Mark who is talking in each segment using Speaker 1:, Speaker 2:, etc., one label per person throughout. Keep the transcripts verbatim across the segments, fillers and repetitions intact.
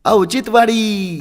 Speaker 1: औचित्यवाडी.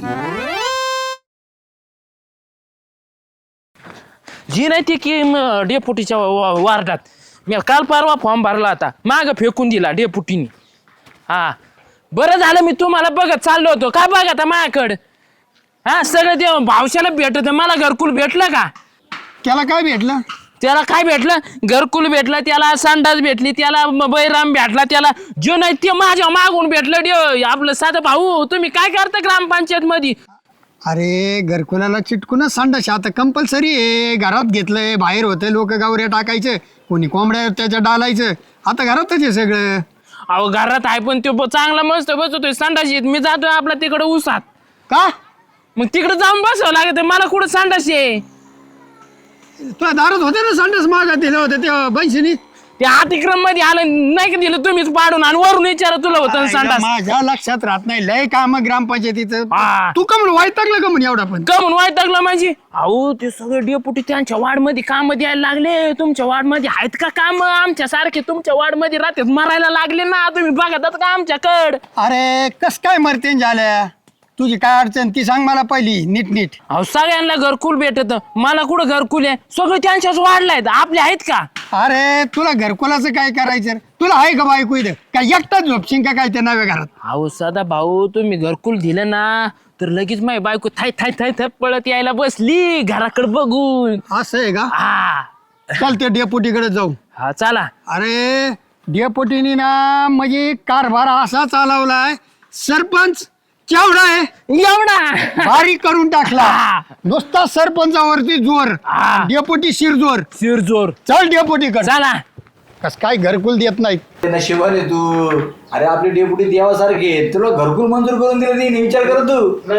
Speaker 2: जी नाही ती की म- डेपुटीच्या वा- वार्डात मी काल परवा फॉर्म भरला होता, माग फेकून दिला डेपुटीनी. हा बरं झालं मी तुम्हाला बघत चाललो होतो. काय बघ आता माझ्याकडं हा सगळं ते भावशाला भेटत, मला घरकुल भेटलं का?
Speaker 3: त्याला काय भेटलं?
Speaker 2: त्याला काय भेटलं? घरकुल भेटलं, त्याला संडास भेटली, त्याला म- बैराम भेटला, त्याला जो नाही ते माझ्या मागून भेटलं. डे आपलं साधं भाऊ तुम्ही काय करता ग्रामपंचायत मध्ये?
Speaker 3: अरे घरकुलाला चिटकूनच संडास आता कंपल्सरी आहे. घरात घेतलंय, बाहेर होतं लोक गावऱ्या टाकायचं, कोणी कोंबड्या त्याच्या डालायचं. आता घरातच आहे सगळं.
Speaker 2: अहो घरात आहे पण तो ब- चांगला मस्त बसतोय संडास येत. मी जातोय आपला तिकडे उसात,
Speaker 3: का
Speaker 2: मग तिकडे जाऊन बसावं लागत. मला कुठं संडास आहे?
Speaker 3: तुला दारात होते ना संडास मागत दिलं होतं तेव्हा बंशीनी.
Speaker 2: ते अतिक्रम मध्ये आलं नाही का दिलं तुम्हीच पाडून, आणि वरून विचारा तुला होतं ना संडास.
Speaker 3: माझ्या लक्षात राहत नाही लय काम ग्रामपंचायतीचं.
Speaker 2: हा.
Speaker 3: तू का म्हणून वैतागलं का म्हणून एवढा पण?
Speaker 2: का म्हणून वाईटागला माझी? अहो ते सगळे डेपुटी त्यांच्या वार्ड मध्ये काम द्यायला लागले. तुमच्या वार्ड मध्ये आहेत का काम? आमच्या सारखे तुमच्या वार्ड मध्ये राहतात मरायला लागले ना. तुम्ही बघतात का आमच्याकड?
Speaker 3: अरे कस काय मरतेन झाल्या? तुझी काय अडचण ती सांग मला पहिली नीट नीट.
Speaker 2: अहो सगळ्यांना घरकुल भेटत, मला कुठं घरकुल आहे? सगळे त्यांच्याच वाढलायत, आपले आहेत का?
Speaker 3: अरे तुला घरकुलाचं काय करायचं? तुला आहे का बायको इथं? काय एकटाच झोपशील का काय त्या नव्या घरात?
Speaker 2: अहो सदा भाऊ तुम्ही घरकुल दिलं ना तर लगेच माझी बायको थाय थाय थाय थाय पळत यायला बसली घराकडे बघून.
Speaker 3: असं आहे का?
Speaker 2: हा
Speaker 3: चल ते डेपुटीकडे जाऊ.
Speaker 2: हा चला.
Speaker 3: अरे डेपुटीनी ना म्हणजे कारभार असा चालवलाय, सरपंच केवढा आहे
Speaker 2: एवढा
Speaker 3: भारी करून टाकला.
Speaker 2: हा.
Speaker 3: नुसता सरपंचावरती जोर,
Speaker 2: हा.
Speaker 3: डेपुटी शिरजोर.
Speaker 2: शिरजोर.
Speaker 3: चल डेपुटीकडे.
Speaker 2: चला.
Speaker 3: कस काय घरकुल देत नाही?
Speaker 4: नशिबाने तू. अरे आपली डेप्युटी देवासारखे आहेत. तुला घरकुल मंजूर करून दिलं नाही, विचार कर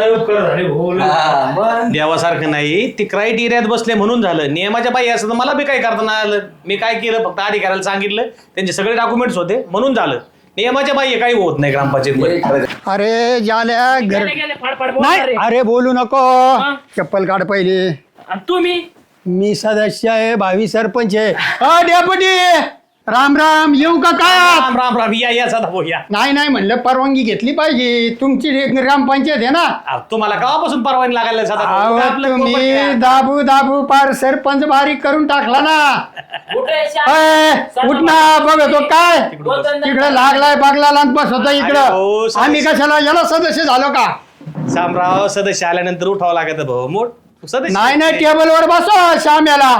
Speaker 4: तू. हा, मग
Speaker 5: देवासारखं नाही, ती क्रायटेरियात बसले म्हणून झालं. नियमाच्या बाई असं तर मला बी काही करता नाही आलं. मी काय केलं, फक्त अधिकाऱ्याला सांगितलं, त्यांचे सगळे डॉक्युमेंट्स होते म्हणून झालं. नियमाच्या बाई काही होत नाही ग्रामपंचायत मध्ये.
Speaker 3: अरे झाल्या घर
Speaker 2: गेले, गेले, फाड, फाड, बोलणार
Speaker 3: नाही.
Speaker 2: आहे.
Speaker 3: अरे बोलू नको. चप्पल काढ पहिली.
Speaker 2: आणि तुम्ही
Speaker 3: मी सदस्य आहे, भावी सरपंच आहे. अ डेपुटी राम राम, येऊ का काय?
Speaker 5: राम राम राम, या या सदा भाऊ या.
Speaker 3: नाही नाही म्हणलं परवानगी घेतली पाहिजे. तुमची ग्रामपंचायत आहे ना.
Speaker 5: अहो, तुम्हाला केव्हापासून परवानगी लागायला सदा भाऊ?
Speaker 3: अहो,
Speaker 5: आपलं
Speaker 3: तुम्ही
Speaker 5: property आहे.
Speaker 3: दाबू दाबू पार सरपंच बारीक करून टाकला ना.
Speaker 2: कुठे श्याम?
Speaker 3: अय, उठ ना बघतो काय
Speaker 2: बोलताना-
Speaker 3: तिकडे लागलाय बागला बस होता
Speaker 5: अरे हो,
Speaker 3: इकडं.
Speaker 5: सदस्य-
Speaker 3: आम्ही कशाला याला सदस्य झालो का?
Speaker 5: शामराव सदस्य आल्यानंतर उठावं लागत भाऊ. मोठ सदस्य
Speaker 3: नाही नाही टेबलवर बसो श्याम याला.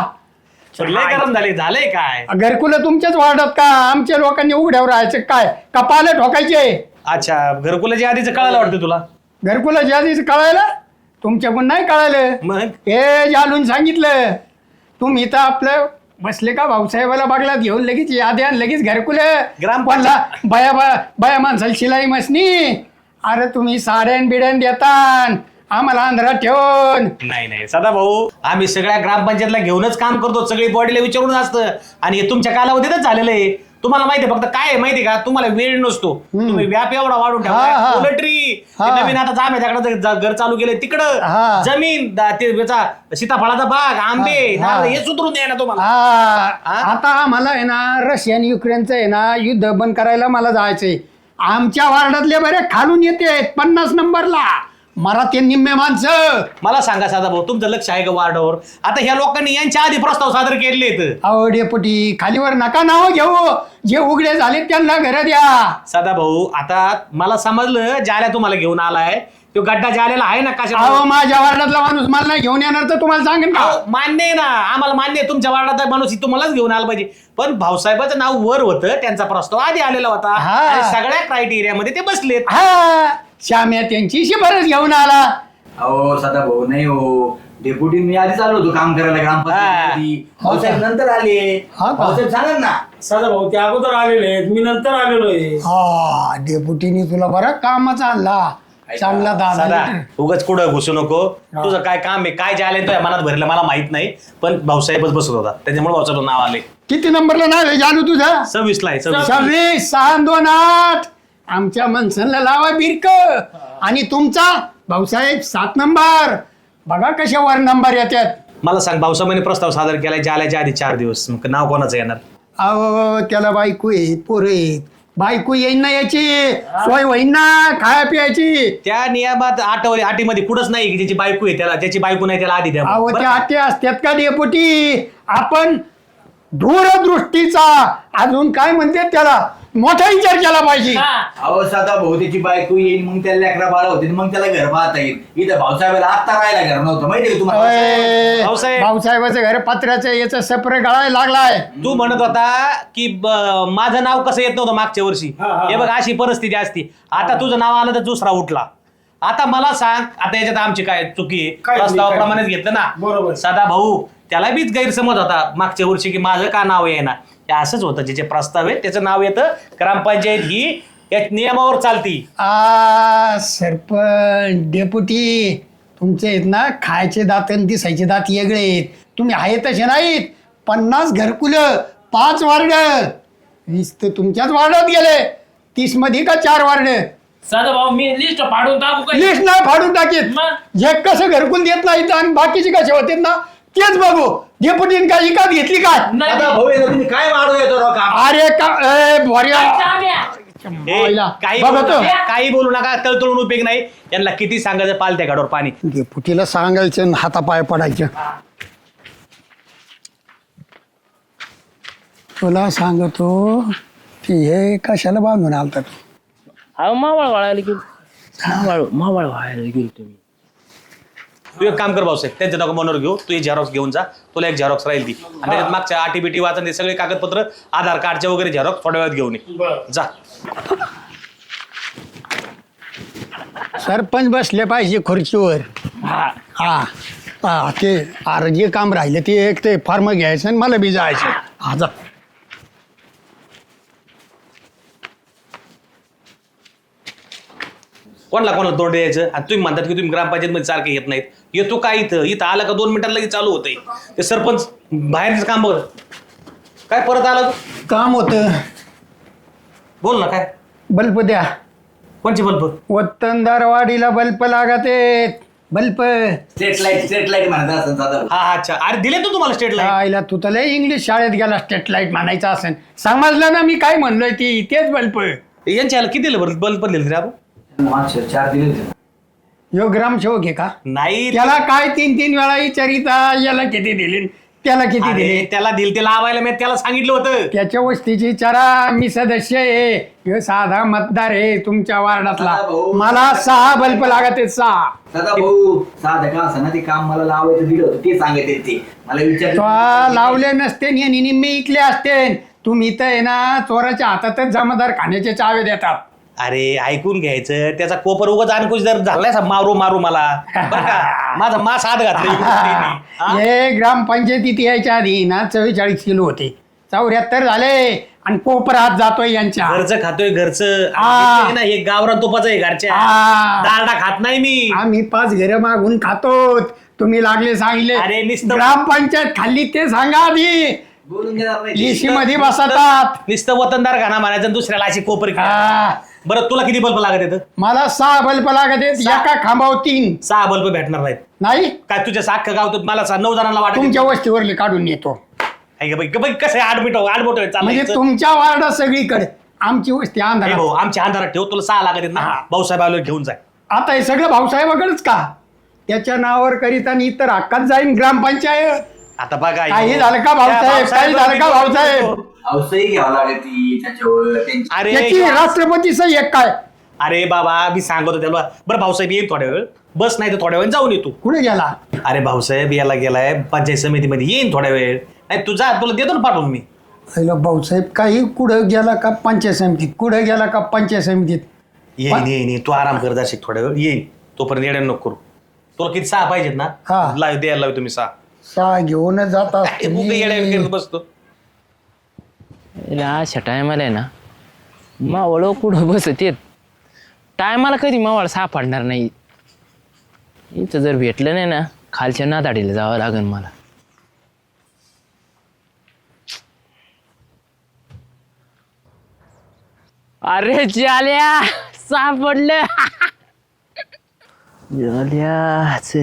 Speaker 5: लय गरम झाले. झालंय काय?
Speaker 3: घरकुल तुमच्याच वाढत का? आमच्या लोकांनी उघड्यावर राहायचं काय? कपाले ठोकायचे.
Speaker 5: अच्छा, घरकुलाच्या आधीच कळायला वाटतं तुला?
Speaker 3: घरकुला ज्या दिवशी कळायला तुमच्याकडून नाही कळालं.
Speaker 5: मग
Speaker 3: हे जालून सांगितलं. तुम्ही तर आपलं बसले का भाऊसाहेबाला बघला घेऊन लगेच यादी आणि लगेच घरकुल.
Speaker 5: ग्रामपंचायत-
Speaker 3: बया बया माणसाला शिलाई मसनी. अरे तुम्ही साड्यान बिड्यान देतान आम्हाला आंध्रात ठेवून.
Speaker 5: नाही नाही सदा भाऊ, आम्ही सगळ्या ग्रामपंचायतला घेऊनच काम करतो. सगळी बॉडीला विचारून असतं, आणि हे तुमच्या कालावधीतच झालेलं आहे. तुम्हाला माहिती आहे, फक्त काय आहे माहिती का, तुम्हाला वेळ नसतो. तुम्ही व्याप एवढा वाढून
Speaker 3: हा, हा.
Speaker 5: ठेवा. पोल्ट्री
Speaker 3: हा.
Speaker 5: नवीन आता जांभ्याच्याकडे घर चालू केलंय तिकडं,
Speaker 3: हा.
Speaker 5: जमीन दा- ते याचा सीताफळाचा बाग, आंबे,
Speaker 3: हा.
Speaker 5: नारळ, हे सुधरून द्या ना तुम्हाला.
Speaker 3: हा.
Speaker 5: हा?
Speaker 3: आता आम्हाला आहे ना रशियन युक्रेनचं आहे ना युद्ध बंद करायला मला जायचंय. आमच्या वार्डातले बरे खालून येते पन्नास नंबरला मराठी निम्मे माणसं.
Speaker 5: मला सांगा सदा भाऊ, तुमचं लक्ष आहे का वार्डावर? आता ह्या लोकांनी यांच्या आधी प्रस्ताव सादर केले आहेत.
Speaker 3: अहो डेपुटी खालीवर नका नाव घेऊ. जे उघडे झाले त्यांना घर द्या.
Speaker 5: सदा भाऊ, आता मला समजलं ज्याला तुम्हाला घेऊन आलाय तो गड्डा ज्याला आहे ना कशा.
Speaker 3: अहो माझ्या वार्डातला माणूस मला नाही घेऊन येणार तर तुम्हाला सांगेन का?
Speaker 5: अहो, मान्य आहे ना, आम्हाला मान्य आहे तुमच्या वार्डात माणूस तुम्हालाच घेऊन आला पाहिजे. पण भाऊसाहेबाचं नाव वर होतं, त्यांचा प्रस्ताव आधी आलेला होता
Speaker 3: हा.
Speaker 5: आणि सगळ्या क्रायटेरियामध्ये ते बसलेत.
Speaker 3: हा श्याम्या त्यांची शिफारस घेऊन आला.
Speaker 4: अहो सदा भाऊ नाही हो. डेप्युटी मी आधीच आलो होतो काम करायला ग्रामपंचायती. भाऊसाहेब नंतर आले.
Speaker 3: हा का?
Speaker 4: भाऊसाहेब सांगा ना.
Speaker 6: सदा भाऊ ते अगोदर आलेले आहेत, मी नंतर आलेलो आहे.
Speaker 3: हा डेपुटीनी तुला बरं कामाचा आणला. चांगला दादा.
Speaker 5: सदा उगाच कुठं घुसू नको. तुझं काय काम आहे, काय जे आले तो मनात भरलं मला माहित नाही, पण भाऊसाहेबच बसत होता त्याच्यामुळे भाऊसाहेब नाव आले.
Speaker 3: किती नंबरला नाव आहे जानू तुझं?
Speaker 5: सव्वीस ला आहे सव्वीस.
Speaker 3: सव्वीस सहा दोन आठ. आमच्या माणसांना लावा बिरक. आणि तुमचा भाऊसाहेब सात नंबर. बघा कशा वर नंबर येतात.
Speaker 5: मला सांग, भाऊसाहेबांनी प्रस्ताव सादर केलाय जाल्याच्या आधी चार दिवस, मग नाव कोणाचं येणार?
Speaker 3: अहो त्याला बायको आहेत पोरं आहेत. बायको येईन ना याची सोय होईन ना खाया पियाची.
Speaker 5: त्या नियमात आठवले अटीमध्ये कुठंच नाही की ज्याची बायको आहे त्याला ज्याची बायको नाही त्याला आधी द्या
Speaker 3: अहो
Speaker 5: बरं
Speaker 3: ते
Speaker 5: का?
Speaker 3: आते असतात का डेपुटी? आपण दूरदृष्टीचा अजून काय म्हणते त्याला मोठा विचार केला पाहिजे.
Speaker 2: हा.
Speaker 4: अहो साधा भाऊ त्याची बायको येईल मग त्याला लेकरा बाळा होते मग त्याला घर पाहता येईल. इथं भाऊसाहेबाला आत्ता राहायला घर नव्हतं माहितीये का तुम्हाला?
Speaker 3: अय,
Speaker 5: भाऊसाहेब.
Speaker 3: भाऊसाहेबाचं घर पत्र्याचं याचं सपर गळायला लागलाय.
Speaker 5: तू म्हणत होता की ब- माझं नाव कसं येत नव्हतं मागच्या वर्षी.
Speaker 6: हा, हा,
Speaker 5: हे बघ अशी परिस्थिती असती. आता तुझं नाव आलं तर दुसरा उठला. आता मला सांग आता याच्यात आमची काय चुकी आहे?
Speaker 6: काय नाही,
Speaker 5: प्रस्तावाप्रमाणेच
Speaker 6: काय
Speaker 5: घेतलं ना.
Speaker 6: बरोबर.
Speaker 5: सदा भाऊ त्याला बीच गैरसमज होता मागच्या वर्षी की माझं का नाव आहे ना. हे असंच होतं ज्याचे प्रस्ताव आहे त्याचं नाव येतं. ग्रामपंचायत ही या नियमावर चालती.
Speaker 3: आ सरपंच डेपुटी तुमचे आहेत ना खायचे दात आणि दिसायचे दात वेगळे आहेत. तुम्ही आहे तसे नाहीत. पन्नास घरकुलं पाच वार्ड वीस तर तुमच्याच वार्डात गेले. तीस मध्ये का चार वार्ड
Speaker 2: साधा भाऊ मी लिस्ट फाडून टाकू काय?
Speaker 3: लिस्ट नाही फाडून टाकीत.
Speaker 2: मग?
Speaker 3: जे कसं घरकुल देत नाहीत आणि बाकीचे कसे होते ना तेच बघू. डेपुटीन काय इकात घेतली काय?
Speaker 2: नाही.
Speaker 4: साधा भाऊ येतो तुम्ही काय मारू येतो राव काम?
Speaker 3: अरे का ए, भोर्या.
Speaker 2: चाम्या.
Speaker 5: हे,
Speaker 3: मायला.
Speaker 5: काही
Speaker 3: बघा
Speaker 5: बोलू
Speaker 3: तो.
Speaker 5: नका, काही बोलू नका तळतळून उपयोग नाही. यांना किती सांगायचं पालत्या गाडवर पाणी.
Speaker 3: डेपुटीला सांगायचं आणि हातापाय पडायचं. तुला सांगतो की हे कशाला बांधून आलतात.
Speaker 2: अहो मावळ वाळायला गेलो. मावळ मावळ वाळायला गेलो तुम्ही.
Speaker 5: तू एक काम कर भाऊसाहेब त्यांच्या डॉक्युमेंटवर घेऊ. तू एक झेरॉक्स घेऊन जा. तुला एक झेरॉक्स राहील ती आणि त्याच्यात मागच्या आटी बिटी वाचन ते सगळे कागदपत्र आधार कार्डचे वगैरे झेरॉक्स थोड्या वेळात घेऊन ये. जा.
Speaker 3: सरपंच बसले पाहिजे खुर्चीवर.
Speaker 2: हा.
Speaker 3: हा हा ते अरे जे काम राहिलं ते एक ते फॉर्म घ्यायचं आणि मला बी जायचं. हा जा.
Speaker 5: कोणाला कोणाला तोंड द्यायचं आणि तुम्ही म्हणतात की तुम्ही ग्रामपंचायतमध्ये सारखे येत नाहीत. येतो काय इथं इथं आला का दोन मिनिटात लगेच चालू होतंय. ते सरपंच बाहेरचं काम बघ. काय परत आला तू?
Speaker 3: काम होतं.
Speaker 5: बोल ना काय
Speaker 3: बल्ब द्या.
Speaker 5: कोणची बल्ब?
Speaker 3: वतनदारवाडीला बल्ब लागते. Bulb
Speaker 4: straight light straight light म्हणत असं साधा भाऊ.
Speaker 5: हा हा, अच्छा अरे दिले तू तुम्हाला स्टेट लाईट.
Speaker 3: आईला तू तर लय इंग्लिश शाळेत गेला स्टेट लाईट म्हणायचं असेल. समजलं ना मी काय म्हणलोय ती तेच बल्ब.
Speaker 5: यांच्या ह्याला किती दिलं बरं बल्ब दिले रे आपण?
Speaker 4: मागच्या चार दिले होते.
Speaker 3: यो ग्रामसेवक आहे का?
Speaker 5: नाही
Speaker 3: त्याला काय तीन तीन वेळा विचारिता याला किती दिले त्याला किती
Speaker 5: अरे,
Speaker 3: दिले.
Speaker 5: त्याला दिल ते लावायला मी त्याला सांगितलं होतं.
Speaker 3: त्याच्या वस्तीची विचारा. मी सदस्य आहे ह्यो साधा मतदार आहे तुमच्या वार्डातला.
Speaker 4: हा भाऊ.
Speaker 3: मला सहा बल्ब लागत आहेत सहा.
Speaker 4: दादा भाऊ साधं का असं ना ते काम मला लावायचं दिलं होतं ते सांगत आहेत ते मला
Speaker 3: तो
Speaker 4: विचार
Speaker 3: लावले नसते आणि निम्मे इकले असते. तुम्ही तर आहे ना चोराच्या हातातच जमादार खाण्याचे चावे देतात.
Speaker 5: अरे ऐकून घ्यायचं त्याचा कोपर उगाच आणकुश जर झालाय सा मारू मारू मला बरं का माझा मास हात घातला इकडून तिने. हा?
Speaker 3: हे ग्रामपंचायतीत यायच्या आधी ना चव्वेचाळीस किलो होते. चौऱ्याहत्तर झाले आणि कोपर हात जातोय यांच्या.
Speaker 5: घरचं खातोय घरचं
Speaker 3: आ.
Speaker 5: हे ना हे गावरान तुपाचं आहे घरच्या
Speaker 3: आ.
Speaker 5: दारडा खात नाही मी.
Speaker 3: आम्ही पाच घरं मागून खातो. तुम्ही लागले सांगले
Speaker 5: अरे, नुसतं-
Speaker 3: ग्रामपंचायत खाल्ली ते सांगा आधी.
Speaker 4: बोलून देणार नाही
Speaker 3: एसी मध्ये बसतात.
Speaker 5: नुसतं वतनदार घाणा मारायचं आणि दुसऱ्याला अशी कोपर घ्या.
Speaker 3: हा.
Speaker 5: बरं तुला किती बल्ब लागत येतं?
Speaker 3: मला सहा बल्ब लागत आहेत. एका खांबावर तीन
Speaker 5: सहा बल्ब भेटणार नाहीत.
Speaker 3: नाही.
Speaker 5: काय तुझ्या साख गाव मला सा- नऊ जणांना वाटत
Speaker 3: तुमच्या वस्तीवरले काढून येतो.
Speaker 5: कसं आहे आडमिट आडमोट
Speaker 3: म्हणजे
Speaker 5: चालायचं.
Speaker 3: तुमच्या वार्डात सगळीकडे आमची वस्ती
Speaker 5: हे
Speaker 3: अंधारात.
Speaker 5: भाऊ आमच्या अंधारात ठेव तुला सहा लागत आहेत ना भाऊसाहेब आलो घेऊन जाय.
Speaker 3: आता हे सगळं भाऊसाहेबाकडेच का? त्याच्या नावावर करीत आणि इतर हक्कात जाईन ग्रामपंचायत.
Speaker 5: आता बघा
Speaker 3: काही झालं का भाऊसाहेब? काही झालं का भाऊसाहेब?
Speaker 4: औषधी घ्यावं लागेल ती त्याच्यावर त्यांची
Speaker 5: अरे
Speaker 3: त्याची राष्ट्रपती सही एक काय?
Speaker 5: अरे बाबा मी सांगतो त्याला बरं भाऊसाहेब येईल थोड्या वेळ बस नाही तर थोड्या वेळ जाऊन येतो.
Speaker 3: कुठे गेला?
Speaker 5: अरे भाऊसाहेब याला गेलाय पंचायत समितीमध्ये येईन थोड्या वेळ. नाही तू जा तुला देतो ना पाठवून मी.
Speaker 3: पहिला भाऊसाहेब काही कुठं गेला का पंचायत समितीत? कुठं गेला का पंचायत समितीत?
Speaker 5: येईन येईन येईन. तू आराम कर जाशील थोड्या वेळ येईन तोपर्यंत येड्या नको करू. तुला किती सहा पाहिजेत ना
Speaker 3: हा.
Speaker 5: लाव द्यायला लाव तुम्ही सहा.
Speaker 3: सहा घेऊन जात
Speaker 5: काय उगा येड्या करत बसतो.
Speaker 2: अशा टायमाला आहे ना मावळ कुठं बसत येत टायमाला कधी मावळ सापडणार नाही. इथं जर भेटलं नाही ना खालच्या नादाडीला जावं लागेल मला. अरे जाल्या सापडलं. जाल्या चल.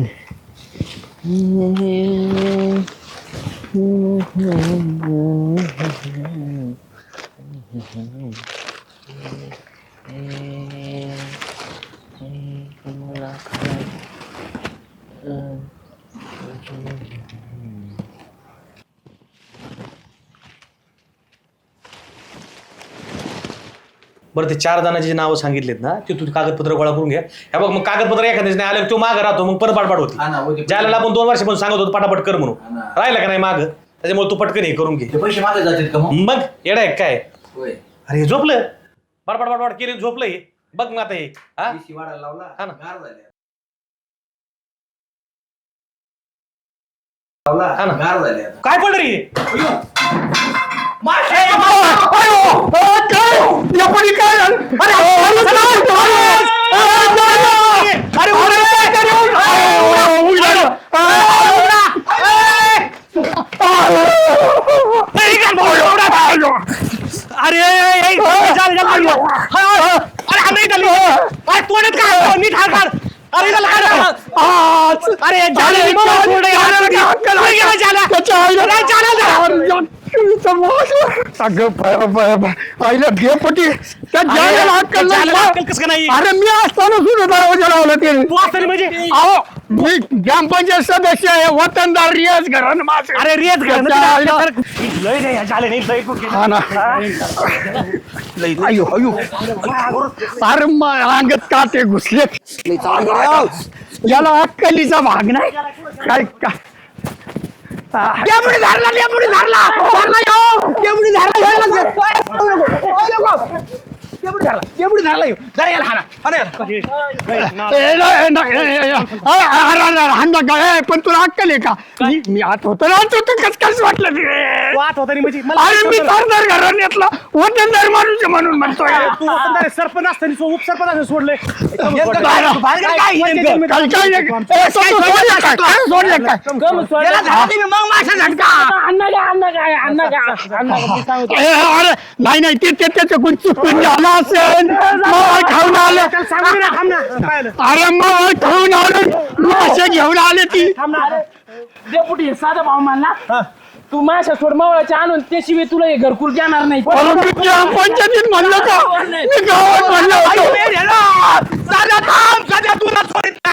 Speaker 5: बरं ते चार जणांची नावं सांगितलेत ना ते तू कागदपत्र गोळा करून घ्या. हे बघ मग कागदपत्र एखाद्याच नाही आलं तो मागं राहतो मग परत पाठपाठ
Speaker 4: हा ना,
Speaker 5: होती.
Speaker 4: होती.
Speaker 5: ज्याला आपण दोन वर्षापासून सांगत होतो पटापट कर म्हणून
Speaker 4: हा ना.
Speaker 5: राहिलं का नाही माग त्याच्यामुळे तू पटकन हे करून घे.
Speaker 4: ते पैसे मागे जातात का मग
Speaker 5: मग येडा आहे काय
Speaker 4: होय
Speaker 5: अरे हे झोपलं बडबड बडबड केली झोपलं हे बघ मग आता हे हा
Speaker 4: पैसे वाढायला लावला
Speaker 5: हा ना.
Speaker 4: गार झाले लावला
Speaker 5: हा ना.
Speaker 4: गार झाले आता.
Speaker 5: काय पडलं रे
Speaker 3: डेपुटी काय झालं? अरे, अरे, अरे,
Speaker 5: अरे
Speaker 3: आईला डेपुटी त्या जायला अक्कल नाही.
Speaker 5: कसं नाही
Speaker 3: अरे मी असताना सुद्धा दरवाजा लावला ते
Speaker 5: तू असताना म्हणजे
Speaker 3: अहो मी ग्रामपंचायत सदस्य आहे वतनदार रियाज घरान माझे
Speaker 5: अरे रेत
Speaker 3: हा ना अयो अयो अरे मा- अंगात काटे घुसले याला अक्कलीचा भाग नाही काय का डेपुटी धरला डेपुटी धरला धरला यो डेपुटी धरला डेपुटी धरला डेपुटी धरला यो जरा याला हाना हाना याला पण तुला अक्कल आहे का मी मी आत होतो ना तू कस कस वाटलं ते
Speaker 5: वाट होता म्हणजे
Speaker 3: अरे मी सरदार घराण्यातला वतनदार माणूस आहे म्हणून म्हणतोय
Speaker 5: तू वतनदार सरपंच असताना उपसरपंच असं सोडले
Speaker 3: अरे नाही नाही ते त्याच्याकडून चुकून झालं असेल मावळ खाऊन आलं अरे मावळ खाऊन आलं मासे घेऊन आले ती
Speaker 2: डेपुटी साधा भाऊ मानला तू माझ्या सोड मावळाच्या आणून त्याशिवाय तुला हे घरकुल देणार नाही.
Speaker 3: पंचायतीत म्हणलं का मी गावात म्हणलं होतं